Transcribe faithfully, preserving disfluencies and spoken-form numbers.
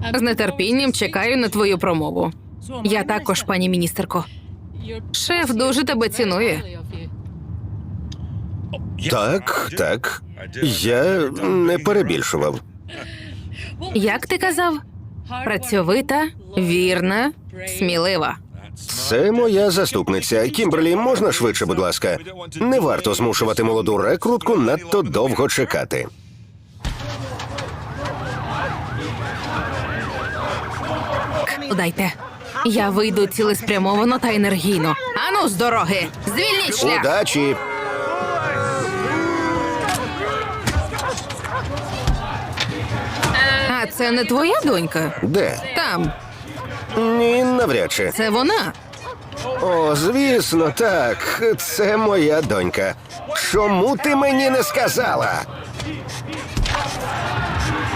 З нетерпінням чекаю на твою промову. Я також, пані міністерко. Шеф дуже тебе цінує. Так, так. Я не перебільшував. Як ти казав? Працьовита, вірна, смілива. Це моя заступниця. Кімберлі, можна швидше, будь ласка? Не варто змушувати молоду рекрутку надто довго чекати. Дайте. Я вийду цілеспрямовано та енергійно. Ану, з дороги! Звільніть шлях! Удачі! А це не твоя донька? Де? Там. Ні, навряд чи. Це вона. О, звісно, так. Це моя донька. Чому ти мені не сказала?